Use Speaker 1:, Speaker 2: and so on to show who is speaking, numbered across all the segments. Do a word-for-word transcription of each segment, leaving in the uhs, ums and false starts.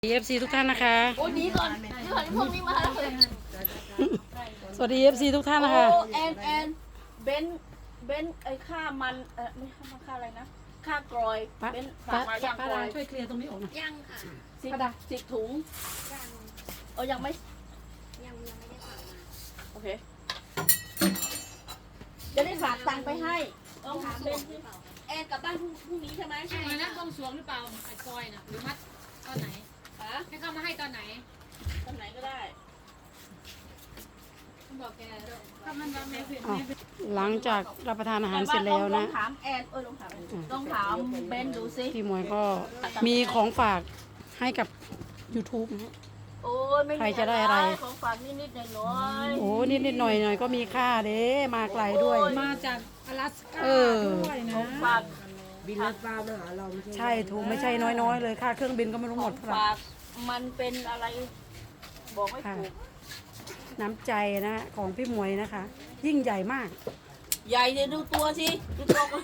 Speaker 1: เอฟซีทุกท่านนะคะ
Speaker 2: โอ้ดีก่อนดีก่อนพวกนี้มาแล้วเลย
Speaker 1: สวัสดีเอฟซีทุกท่านนะคะ
Speaker 2: โอ้แอนแอนเบนเบนไอ้ค่ามันเออไม่ค่าค่าอะไรนะค่ากรอย
Speaker 1: ป้า
Speaker 2: เบนฝา
Speaker 1: ป้าก
Speaker 2: มายัง
Speaker 1: ป้าก
Speaker 2: รอย
Speaker 1: ช่วยเคลียร์ตรงนี้ออกหน่อย
Speaker 3: ยังค่ะ
Speaker 2: สิบ
Speaker 1: ป้าดา
Speaker 2: สิบถุง
Speaker 3: ยัง
Speaker 2: เออยังไม่
Speaker 3: ยังยังไม่ได้ฝากมา
Speaker 2: โอเคจะได้ฝากตังค์ไปให้ต้องถามเบนสิแอนกลับบ้านพรุ่งพรุ่งนี้ใช่ไหม
Speaker 4: ใช่นะต้องสวงหรือเปล่าไอ้กอยน่ะหรือมัดตอนไหน
Speaker 2: ฮะ
Speaker 4: ให้เข้ามาให้ตอนไหน
Speaker 2: ตอนไหนก็ได้
Speaker 4: ต้องบอกแกถ้ามันว่าแม่เป็น
Speaker 1: อ้าว
Speaker 4: แม่เป็น
Speaker 1: หลังจากรับประทานอาหารเสร็จแล้ว
Speaker 2: ล
Speaker 1: นะ
Speaker 2: องถามแอนเออลองถามลองถามเบนดูสิ
Speaker 1: พี่หมวยก็มีของฝากให้กับ YouTube นะฮะ
Speaker 2: โอ้ยไม่มี
Speaker 1: ใครจะได้อะไร
Speaker 2: ของฝากนิดๆหน่อยๆ
Speaker 1: โอ้นิดนิดหน่อยหน่อยก็มีค่าเด้มาไกลด้วย
Speaker 4: มาจากอลาสก้า
Speaker 1: เออ
Speaker 4: ด้วยนะ
Speaker 2: ของฝาก
Speaker 5: บินรถฟ้ามาหาเราไม่ใช่
Speaker 1: ใช่ถูกไม่ใช่น้อยๆเลยค่าเครื่องบินก็ไม่รู้
Speaker 2: ข
Speaker 1: หม
Speaker 2: อ
Speaker 1: ด
Speaker 2: ง
Speaker 1: เท่าไหร่
Speaker 2: ฝากมันเป็นอะไร บอกไม่ถูก
Speaker 1: น้ำใจนะของพี่หมวยนะคะ ยิ่งใหญ่มาก
Speaker 2: ใหญ่เลยดูตัวสิดูตัวคน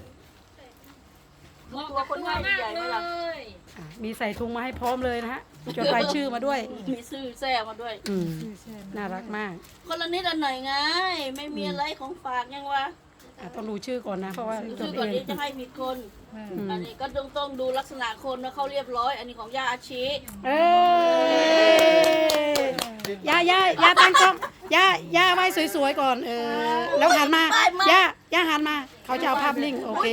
Speaker 4: เหมาะกับตัวมากเลย
Speaker 1: อ่ะมีใส่ถุงมาให้พร้อมเลยนะฮะจดรายชื่อมาด้วย
Speaker 2: มีซื่อแซ่มาด้วย
Speaker 1: อืมน่ารักมาก
Speaker 2: คนละนิดละหน่อยไง ไม่มีอะไรของฝากยังวะ
Speaker 1: อ่ะต้องดูชื่อก่อนนะเพราะว่าจ
Speaker 2: ชื่
Speaker 1: ด
Speaker 2: อ
Speaker 1: เอ
Speaker 2: ก่อน
Speaker 1: ง
Speaker 2: นี้จะให้ผิดคน
Speaker 1: อืม
Speaker 2: อันนี้ก็ต้องต้องดูลักษณะคนว่าเขาเรียบร้อย อันนี้ของย่าอาชี
Speaker 1: เอ้ยย่าย่าย่าตั้งกล้องย่าย่าไว้สวยๆก่อนเออแล้วหันมาย่าย่าหันมา เขาจะเอาภาพนิ่งโอเค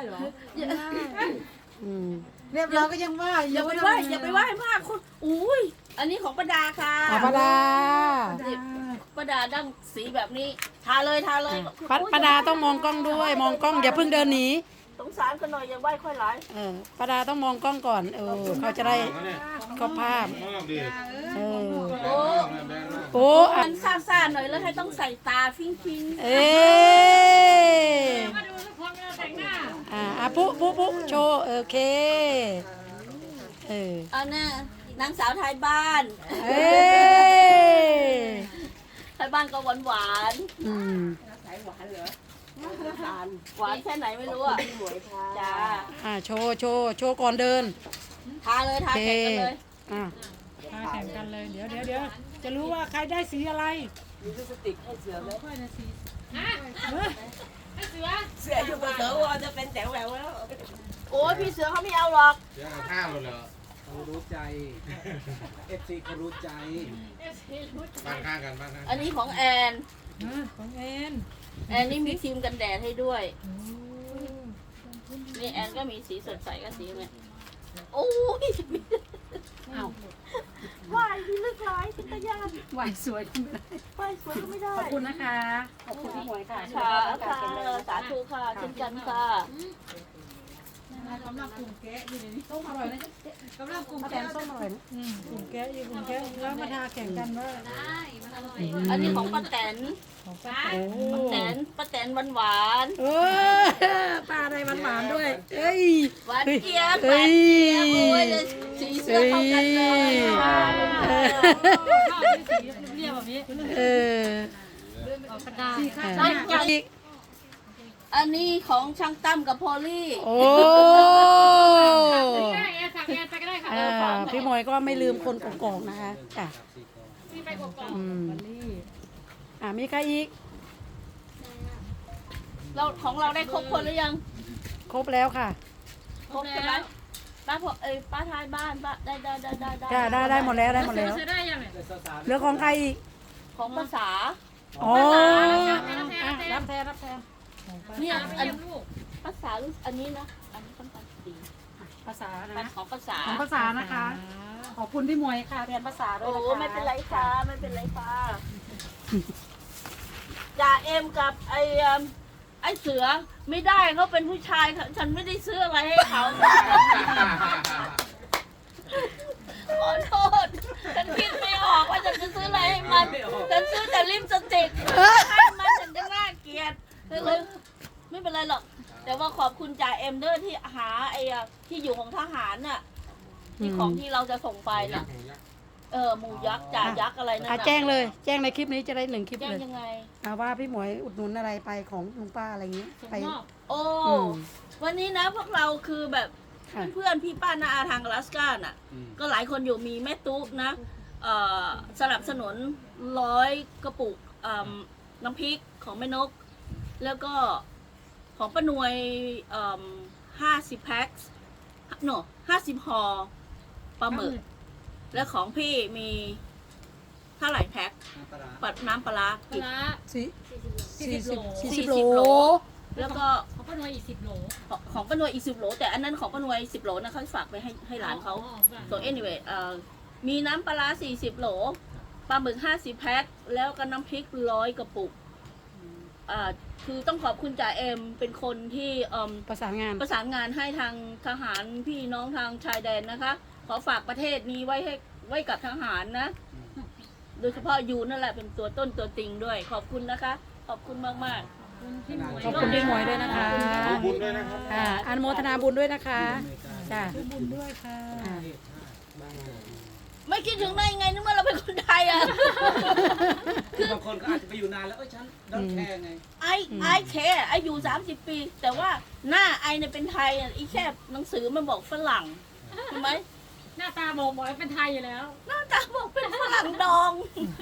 Speaker 1: อืม
Speaker 5: เรียบร้อยก็ยังว่า
Speaker 2: อย่าไปไหว้อย่าไปไหว้มากคุณอุ้ยอันนี้ของประดาค่ะ
Speaker 1: อ่ะป้าดา
Speaker 2: นี่ประดาดั้งสีแบบนี้ ทาเลยทาเลย
Speaker 1: ป้าป้าดาต้องมองกล้องด้วย มองกล้องอย่าเพิ่งเดินหนี
Speaker 2: สงสารกันหน่อยอย่าไหว้ค่อยหลาย
Speaker 1: เออป้าดาต้องมองกล้องก่อนเออเขาจะได้ก็ภาพ
Speaker 6: มอบดิ
Speaker 1: เออ
Speaker 2: โอ้
Speaker 1: โอ้อ่ะ
Speaker 2: มันซ่าๆหน่อยแล้วให้ต้องใส่ตาฟิ้งฟิง
Speaker 1: เอ้ย
Speaker 4: มาดูทุกคนแต่งหน้า
Speaker 1: อ่าอ่ะปุ๊ปุ๊ปุ๊โชว์โอเคเออ
Speaker 2: อันน่ะนางสาวไทยบ้าน
Speaker 1: เอ้ย
Speaker 2: ไทยบ้านก็หวานหวาน
Speaker 1: อืม
Speaker 5: สายหวานเหรอ
Speaker 2: ๆหวานแค่ไหนไม่รู้อ่ะ
Speaker 5: หมวยค่ะ
Speaker 2: จ้า
Speaker 1: อ่าโชว์โชว์โชว์ก่อนเดิน
Speaker 2: ทาเลยทา
Speaker 1: โอเค
Speaker 2: แข่งกันเลย
Speaker 1: อ่ะ
Speaker 4: มาแข่งกันเลยเดี๋ยวเดี๋ยวเดี๋ยวจะรู้ว่าใครได้สีอะไร
Speaker 5: มีลิปสติกให้เสือไหม
Speaker 4: ฮะให้เสือ
Speaker 5: เสืออยู่กับเสือวอจะเป็นแต๋วแหววแล้ว
Speaker 2: โอ้ยพี่เสือเขาไม่เอาหรอก
Speaker 6: เดี๋ยวเอาข้าวเลยเหรอ
Speaker 5: เขารู้ใจเอฟซีเขารู้ใจ
Speaker 6: บ้านข้างกันบ้านข้าง
Speaker 2: อันนี้ของแอน
Speaker 4: ของเอน
Speaker 2: แอนนี่มีครีมกันแดดให้ด้วย นี่แอนก็มีสีสดใสกับสีเนี่ยโอ้ย
Speaker 1: เอา
Speaker 2: วายที่ลึกร้ายเป็นตะยาน
Speaker 1: ไหวสวยขึ้นไป
Speaker 2: วายสวยก็ไม่ได้
Speaker 1: ขอบคุณนะคะ ขอบคุณพี่หมวยค่ะ
Speaker 2: ค่ะค่ะสาธุค่ะเช่นกันค่ะ
Speaker 4: กำลังกลุ่มแกะอยู่ในนี้
Speaker 1: ส้มอร่อยนะ
Speaker 4: กำลังกลุ่ม
Speaker 1: ข้าวแก
Speaker 4: แกะ
Speaker 1: งส้มอร่อยนะ
Speaker 4: อืมกลุ่มแกะอยู่กลุ่มแกะแล้วมาทาแข่งกันว่า
Speaker 3: ได้มันอร่อย
Speaker 2: อันนี้ของป้าแตน
Speaker 4: ของป้า
Speaker 1: โอ้
Speaker 2: ป้าแตนป้าแตนหวานหวาน
Speaker 1: เออปลาอะไรหวานๆด้วย เอ้ย
Speaker 2: ๆหวานเจี๊ยบห
Speaker 1: เอ้
Speaker 2: วาน
Speaker 1: ย
Speaker 2: เจี๊ยบโอ้ยเลยสีเสื้อเข้ากันเลยค่ะ
Speaker 4: ข้าวที่สีเรียบแบบนี้
Speaker 1: เออ
Speaker 4: ออกกระดาษ
Speaker 1: เอออีก
Speaker 2: อันนี้ของช่างตั้มกับพอลลี่
Speaker 1: โอ้
Speaker 4: ได้แอนสั่งแอนไปก็ได้ค่ะ
Speaker 1: อ่าพี่หมวยก็ไม่ลืมคนกอกๆนะคะจ้ะ
Speaker 4: มีไปกด
Speaker 1: อืมอ่ามีใครอีก
Speaker 2: เราของเราได้ครบคนหรือยัง
Speaker 1: ครบแล้วค่ะ
Speaker 2: ครบใช่ไหมป้าพอเอ้ยป้าท้ายบ้านป้าได้ได้ได้ได้
Speaker 1: จ้ะได้ได้หมดแล้วได้หมดแล้ว
Speaker 4: ซื้อได้ยังไง
Speaker 1: เหลือของใครอีก
Speaker 2: ของภาษา
Speaker 1: อ๋อ
Speaker 4: รับแทน
Speaker 1: รับแทนรับแทน
Speaker 2: เนี่ย
Speaker 4: อั
Speaker 2: อั
Speaker 4: น
Speaker 2: น
Speaker 4: ลูก
Speaker 2: ภาษารู้อันนี้นะอันนี้ต้องการดี
Speaker 1: ภาษา
Speaker 2: ปัน
Speaker 1: นะ
Speaker 2: ของภาษา
Speaker 1: ของภาษานะคะ ขอบคุณพี่หมวยค่ะเรียนภาษาด้ว
Speaker 2: โอ้
Speaker 1: ยนะคะ
Speaker 2: ไม่เป็นไรค่ะไม่เป็นไรค่ะจ่าเอ็มกับไอเอิ่มไอเสือไม่ได้เขาเป็นผู้ชายค่ะฉันไม่ได้ซื้ออะไรให้เขาขอโทษฉันคิดไม่ออกว่าฉันจะซื้ออะไรให้มันฉันซื้อแต่ลิปสติกให้มันฉันจะน่าเกลียดเลยไม่เป็นไรหรอก แต่ว่าขอบคุณจ่าเอ็มเดอร์ที่หาไอ้อะที่อยู่ของทหารน่ะที่ของที่เราจะส่งไปน่ะ เออหมูยักษ์จ่ายักษ์อะไรนั่น
Speaker 1: อ่ะ
Speaker 2: น่ะ
Speaker 1: แจ้งเลย แจ้งในคลิปนี้จะได้หนึ่งคลิป
Speaker 2: แจ้ง
Speaker 1: เลย
Speaker 2: ยังไง
Speaker 1: อ่าว่าพี่หมวยอุดหนุนอะไรไปของลุงป้าอะไรอย่างนี้
Speaker 4: ส่ง
Speaker 1: ไป
Speaker 4: มอบ
Speaker 2: โอ้
Speaker 1: อืม
Speaker 2: วันนี้นะพวกเราคือแบบ
Speaker 1: ค่ะ
Speaker 2: เพื่อนๆพี่ป้านาอาทางอลาสก้าน่ะ ก็หลายคนอยู่มีแม่ตุ๊กนะเอ่อสนับสนุนร้อยกระปุกอ่าน้ำพริกของแม่นก แล้วก็ของป้านวยห้าสิบแพ็คโนห้าสิบห่อปลาหมึก แล้วของพี่มีเท่าไหร่แพ็คปัดน้ำปลาร้า
Speaker 4: ปลา
Speaker 2: กี่
Speaker 4: ร้า
Speaker 1: สี่
Speaker 4: สี่สิบโล
Speaker 1: สี่สิบ
Speaker 2: สี่
Speaker 1: โล
Speaker 2: สิบโล แล้วก็
Speaker 4: เขาก็นวยอีกสิบโล
Speaker 2: ของของป้านวยอีกสิบโหลแต่อันนั้นของป้านวยสิบโหลนะเขาฝากไปให้ให้หลานเขา
Speaker 4: อ๋อฝาก
Speaker 2: so anyway เอ่อมีน้ำปลาร้าสี่สิบโหลปลาหมึกห้าสิบแพ็คแล้วก็น้ำพริกร้อยกระปุกอ่าคือต้องขอบคุณจ่าเอ็มเป็นคนที่เอิ่ม
Speaker 1: ประสานงาน
Speaker 2: ประสานงานให้ทางทหารพี่น้องทางชายแดนนะคะ ขอฝากประเทศนี้ไว้ให้ไว้กับทหารนะ โดยเฉพาะยูนั่นแหละเป็นตัวต้นตัวจริงด้วย ขอบคุณนะคะ ขอบคุณมากมาก
Speaker 4: พี่หมวย
Speaker 1: ขอบคุณพี่หมวยด้วยนะคะ
Speaker 6: ขอบคุณด้วยนะครับ
Speaker 1: ค่ะอนุโมทนาบุญด้วยนะคะจ้ะ
Speaker 4: บุญด้วยค่ะ
Speaker 1: อ่า
Speaker 2: ๆไม่คิดถึงได้ยังไงนึกว่าเราเป็นคนไทยอ่ะ
Speaker 5: คือบางคนก็อาจจะไปอยู่นานแล้วเอ้ยฉันดอนแคร์ไง
Speaker 2: ไอไอแค่ไออยู่สามสิบปี แต่ว่าหน้าไอเนี่ยเป็นไทยอ่ะอีแค่หนังสือมันบอกฝรั่งใช่ไหม
Speaker 4: หน้าตาบอกบอกว่าเป็นไทยอยู่แล้ว
Speaker 2: หน้าตาบอกเป็นฝรั่งดอง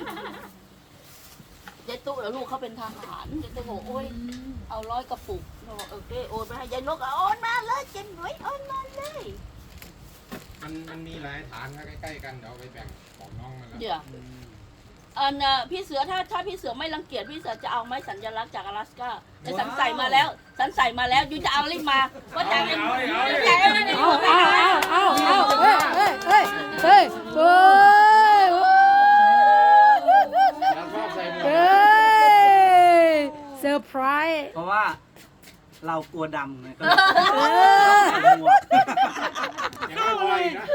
Speaker 2: ยายตุ๊แล้วลูกเขาเป็นทหารยายตุ๊บอกโอ้ยเอาร้อยกระปุกเราบอกโอเคโอนไปให้ยายนกอ่ะโอนมาเลยเจนหน่วยโอนมาเลย
Speaker 6: มันมันมีหลายฐานครับใกล้ๆกันเดี๋ยวเอาไปแบ่งบอกน้องมันแล้ว
Speaker 2: เดี๋ยวอันน่ะพี่เสือถ้าถ้าพี่เสือไม่รังเกียจพี่เสือจะเอาไม้สัญลักษณ์จากอลาสก้าแต่สันใส่มาแล้ว สันใส่มาแล้วยูจะเอารีบมาว่าจ่ายเงินจ่ายเงิน
Speaker 1: เอาเอาเอาเอาเอาเฮ้ยเฮ้ยเฮ้ยเฮ้ยเฮ้ย
Speaker 6: แล้วชอบใส่หมวก
Speaker 1: เฮ้ยเซอร์ไพรส์
Speaker 5: เพราะว่าเรากลัวดำไงก็
Speaker 1: เออ
Speaker 5: เลยหมวก
Speaker 6: ยังไม่พออีกนะ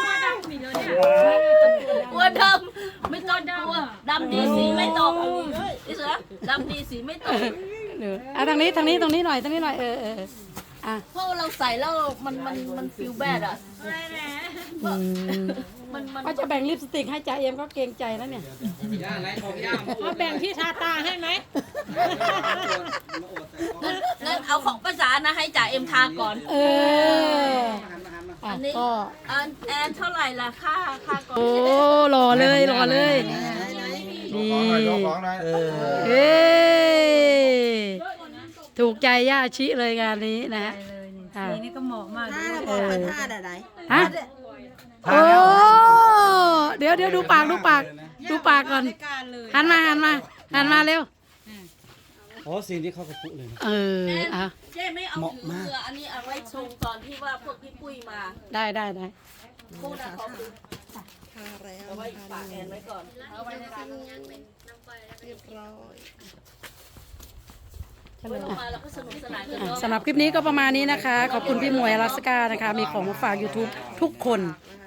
Speaker 2: กลัวดำไม่ต้องกลัวดำดีสีไม่ตกพี่เสือดำดีสีไม่ตก
Speaker 1: เดี๋ยวอ่ะทางนี้ทางนี้ตรงนี้หน่อยตรงนี้หน่อยเออเอออ่ะ
Speaker 2: เพราะเราใส่แล้วมันมันมันฟิลแบดอ่ะ
Speaker 1: อืม
Speaker 2: มันมัน
Speaker 1: ว่าจะแบ่งลิปสติกให้จ่าเอ็มก็เกรงใจแล้วเนี่ย
Speaker 5: ย่าไรของย่า
Speaker 4: เอาแบ่งที่ทาตาให้ไหม
Speaker 2: งั้นงั้นเอาของภาษานะให้จ่าเอ็มทาก่อน
Speaker 1: เออ
Speaker 5: หันมาหันมา
Speaker 1: อ่ะ
Speaker 2: อันนี้
Speaker 1: ก็
Speaker 2: อันแอนเท่าไหร่ล่ะค่าค่าก่อน
Speaker 1: โอ้หล่อเลยหล่อเลยนี่
Speaker 6: ของหน่อยยกของหน่อย
Speaker 5: เออ
Speaker 1: เอ้ยถูกใจย่าชิเลยงานนี้นะฮะอ่ะ
Speaker 4: นี่ก็เหมาะมาก
Speaker 7: ท่าระบอกว่าท่าอะไร
Speaker 1: ฮะโอ้เดี๋ยวเดี๋ยวดูปากดูปากดูปากก่อน
Speaker 7: การเลย
Speaker 1: หันมาหันมาหันมาเร็ว
Speaker 5: โอ้สีนี้เข้ากระปุกเลยนะ
Speaker 1: เอออ่ะ
Speaker 2: เจ๊ไม่เอา
Speaker 5: เหมาะ
Speaker 2: ถือ
Speaker 5: มาก
Speaker 2: เรืออันนี้เอาไว้ชงตอนที่ว่าพวกพี่ปุ้ยมา
Speaker 1: ได้ได้ได้
Speaker 2: พูดนะขอบคุณ
Speaker 7: ท่าแล้ว
Speaker 2: เอาไว้ฝากแอนไว้ก่อนเอาไว้ในร้าน
Speaker 7: เรียบร้อย
Speaker 2: ไว้ลงมาแล้วก็สนุกสนานกันเนาะ
Speaker 1: สำหรับคลิปนี้ก็ประมาณนี้นะคะ ขอบคุณพี่หมวยอลาสก้านะคะ มีของมาฝาก YouTube ทุกคน